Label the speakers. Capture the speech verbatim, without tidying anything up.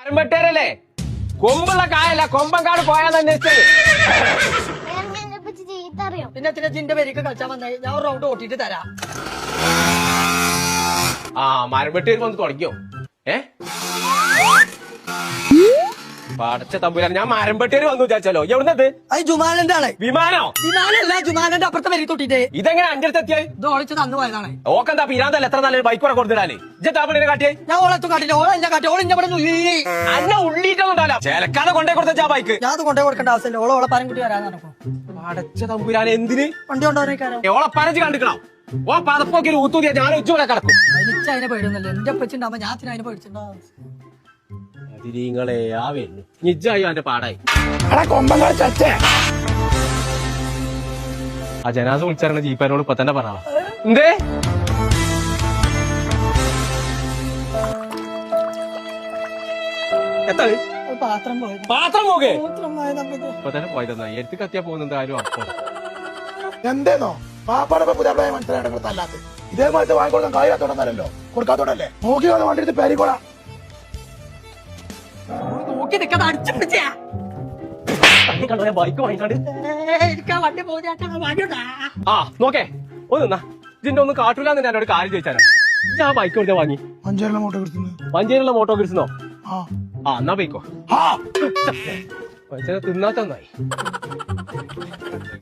Speaker 1: മരമ്പട്ടേരല്ലേ കൊമ്പുള്ള കായല്ല കൊമ്പങ്കാട് പോയാന്ന് അന്വേഷിച്ചത്.
Speaker 2: പിന്നെ പിന്നെ ജിന്റെ പേരേക്ക് കളിച്ചാൽ വന്നായി ഞാൻ ഒരു റൗണ്ട് ഓട്ടിട്ട് തരാം.
Speaker 1: ആ മരമ്പട്ടേര് വന്ന് തുടങ്ങിയോ? ഏ പടച്ച തമ്പുരാൻ, ഞാൻ മരമ്പട്ടേര് വന്നു വിചാരിച്ചാലോ. എവിടുന്നത്?
Speaker 2: അത് ജുമാനന്റെ ആളെ.
Speaker 1: വിമാനോ?
Speaker 2: വിമാനല്ല, ജുമാനന്റെ അപ്പുറത്തെ പേര് തൊട്ടിട്ട്.
Speaker 1: ഇതെങ്ങനെ അഞ്ച് അടുത്ത് എത്തിയായി?
Speaker 2: ഇത് ഓളിച്ച് തന്നു പോയതാണ്.
Speaker 1: ഓക്കെന്താ പിരാന്തല്ല എത്ര നല്ലൊരു ബൈക്ക് കൂടെ കൊടുത്തിടാന്. ഇജ്ജാപ്പിനെ കാട്ടിയേ.
Speaker 2: ഞാൻ ഓളെത്തും കാട്ടില്ല, ഓളെ എന്നെ കാട്ടി, ഓളെ ഇവിടെ
Speaker 1: അന്ന ഉള്ളിട്ടൊന്നുണ്ടല്ലോ. ചേലക്കാതെ കൊണ്ടേ കൊടുത്ത ബൈക്ക്
Speaker 2: ഞാൻ അത് കൊണ്ടേ കൊടുക്കേണ്ട ആവശ്യമില്ല. ഓളെ ഓളെ പരം കുട്ടി വരാന്ന് നടക്കും.
Speaker 1: പടച്ച തമ്പുരാൻ, എന്തിന്
Speaker 2: വണ്ടി കൊണ്ടുപോകാനേക്കാരോ.
Speaker 1: ഓളെ പരച്ച് കണ്ടിക്കണോ? ഓ പതപ്പൊക്കെ ഒരു ഊത്തൂതിയാ ഞാൻ ഉച്ചൂടെ കിടക്കും.
Speaker 2: എനിക്ക് അതിനെ പേടിയൊന്നുമില്ല. എന്റെ പച്ചിണ്ടാവുമ്പോ ഞാൻ അതിനെ പേടിച്ചിട്ടുണ്ടാവും.
Speaker 1: നിങ്ങളെ ആ വരുന്നു നിജായി അവന്റെ പാടായി. ആ ജനാസ വിളിച്ചറിഞ്ഞ ജീപ്പാനോട് ഇപ്പൊ തന്നെ പറ. എന്തേ എത്ര
Speaker 2: പാത്രം പോയത്
Speaker 1: പാത്രം പോകെ
Speaker 2: മൂത്രം പോയത് നമുക്ക്.
Speaker 1: ഇപ്പൊ തന്നെ പോയതെന്നാ എടുത്ത് കത്തിയാ പോകുന്നത് ആരും അപ്പം.
Speaker 3: എന്തേന്നോ പാപ്പാടെ പുതിയ മനസ്സിലായിട്ട് ഇതേമാതിരി വാങ്ങിക്കൊടുക്കാൻ കാര്യത്തോടല്ലോ കൊടുക്കാത്തോടല്ലേ നോക്കി വന്ന് വണ്ടി എടുത്ത് പേരിക്കോളാം.
Speaker 2: നോക്കി നിൽക്കാതെ അടിച്ചു പിടിച്ചാ
Speaker 1: ബൈക്ക് വാങ്ങിക്കാണ്ട്
Speaker 2: എനിക്ക് വണ്ടി പോകാ.
Speaker 1: ആ നോക്കേ ഒന്ന് ഇതിന്റെ ഒന്നും കാട്ടൂലെന്ന് എന്നോട് കാര്യം ചോദിച്ചാലോ. ഞാൻ ബൈക്ക് കൊടുത്താ വാങ്ങി
Speaker 3: മഞ്ചേരിയിലെ മോട്ടോ കിട്ടുന്നത്
Speaker 1: മഞ്ചേരിയുള്ള മോട്ടോ കിട്ടുന്നോ?
Speaker 3: ആ
Speaker 1: ആ എന്നാ പോയിക്കോ.
Speaker 3: ആ
Speaker 1: തിന്നാത്ത നന്നായി.